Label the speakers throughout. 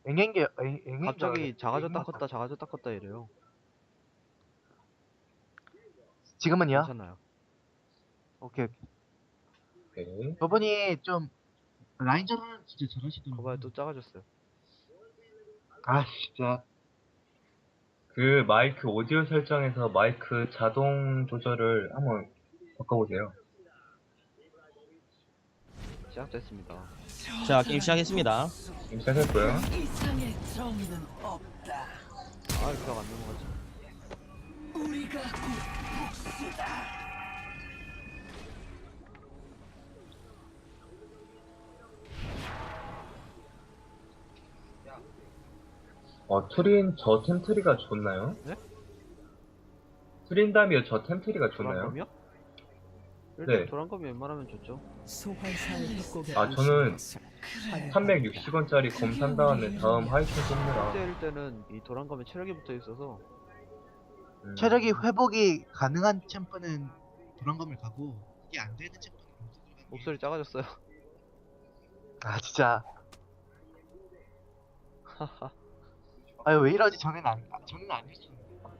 Speaker 1: 갑자기 작아졌다 컸다 작아졌다 컸다 이래요.
Speaker 2: 지금은요?
Speaker 1: 괜찮아요.
Speaker 2: 오케이.
Speaker 3: 오케이.
Speaker 2: 저분이 좀 라인전은 진짜 잘하시더라고요.
Speaker 1: 거봐요 또 작아졌어요.
Speaker 2: 아 진짜.
Speaker 3: 그 마이크 오디오 설정에서 마이크 자동 조절을 한번 바꿔보세요.
Speaker 1: 시작됐습니다.
Speaker 4: 자, 게임 시작했습니다.
Speaker 3: 지금 시작했고요.
Speaker 5: 이상의 정의는 없다.
Speaker 1: 아 그냥 안 넘어가지.
Speaker 5: 우리가 곧 복수다.
Speaker 3: 투린 저 템트리가 좋나요?
Speaker 1: 네?
Speaker 3: 트린다미어 저 템트리가 좋나요?
Speaker 1: 도란검이요? 일단
Speaker 3: 네.
Speaker 1: 도란검이 웬만하면 좋죠.
Speaker 5: 소환사의 협곡에
Speaker 3: 아, 저는
Speaker 5: 오신 것을
Speaker 3: 360원짜리 검 산 다음에 다음 하이킹 씁니다.
Speaker 1: 때릴 때는 이 도란검에 체력이 붙어 있어서
Speaker 2: 체력이 회복이 가능한 챔프는 도란검을 가고 이게 안 되는 챔프는 검색을 가는 게-
Speaker 1: 목소리 작아졌어요.
Speaker 2: 아 진짜.
Speaker 1: 하하.
Speaker 2: 아유 왜 이러지? 전에는 안 했었는데.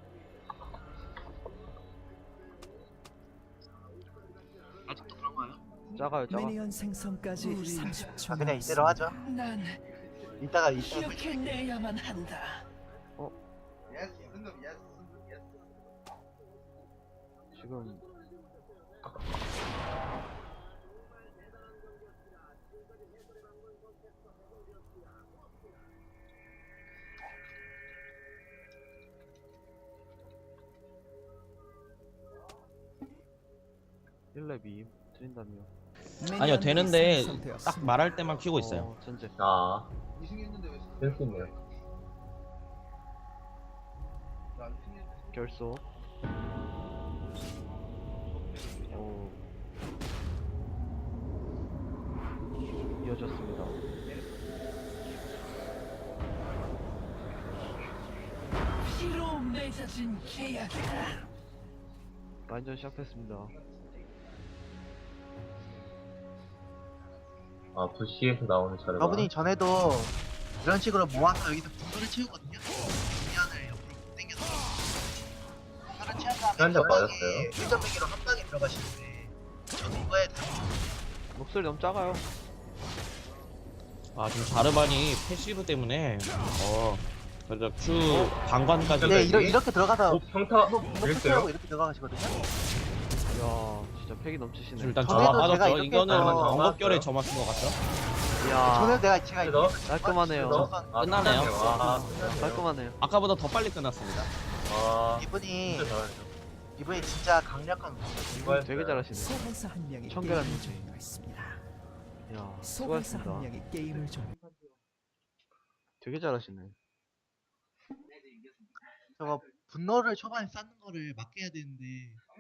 Speaker 2: 아직도 그런 거예요?
Speaker 1: 작아요 작아.
Speaker 5: 미니언 생성까지 30초.
Speaker 2: 아 그냥 이대로 하죠.
Speaker 5: 난
Speaker 2: 이따가
Speaker 5: 기억해내야만 한다.
Speaker 1: 지금 일렙이 드린다며.
Speaker 4: 아니요, 되는데 딱 말할 때만 키고 있어요.
Speaker 1: 전제.
Speaker 3: 아, 쓸수 있네요.
Speaker 1: 결속. 오. 이어졌습니다.
Speaker 5: 피로 맺어진 계약이다.
Speaker 1: 라인전 시작했습니다.
Speaker 3: 아, 부시에서 나오는 자료가.
Speaker 2: 저분이 전에도 이런 식으로 모아서 여기서 분노를 채우거든요. 분면을 옆으로 당겨서 분노를 채운 다음에
Speaker 3: 한대 맞았어요.
Speaker 2: 1.1기로 한 방에 들어가시는데 저도 이거에
Speaker 1: 목소리 너무 작아요.
Speaker 4: 아, 지금 자르반이 패시브 때문에 그래서 Q 방관까지
Speaker 2: 네
Speaker 3: 네.
Speaker 2: 이렇게 들어가서
Speaker 3: 평타
Speaker 2: 분노
Speaker 3: 그랬어요?
Speaker 2: 채우고 이렇게 들어가시거든요.
Speaker 1: 이야 진짜 팩이 넘치시네.
Speaker 4: 지금 일단
Speaker 2: 전에도
Speaker 4: 점화
Speaker 2: 제가
Speaker 4: 빠졌죠.
Speaker 2: 이렇게
Speaker 4: 이거는
Speaker 2: 해서
Speaker 4: 언급결에 점화 쓴것 같죠?
Speaker 1: 이야
Speaker 2: 전에 제가
Speaker 3: 그래서?
Speaker 1: 깔끔하네요.
Speaker 4: 끝나네요.
Speaker 3: 아,
Speaker 1: 깔끔하네요.
Speaker 4: 아까보다 더 빨리 끝났습니다.
Speaker 3: 아,
Speaker 2: 이분이
Speaker 3: 진짜 잘하네요.
Speaker 2: 이분이 진짜 강력한 분이에요.
Speaker 3: 이거
Speaker 1: 되게 잘하시네.
Speaker 5: 소환사 한 명이
Speaker 1: 청결한
Speaker 5: 게임을
Speaker 1: 문제.
Speaker 5: 종료했습니다.
Speaker 1: 이야
Speaker 5: 소환사 한
Speaker 1: 수고하셨습니다.
Speaker 5: 명이 게임을 종료.
Speaker 1: 되게 잘하시네.
Speaker 2: 저거 분노를 초반에 쌓는 거를 막게 해야 되는데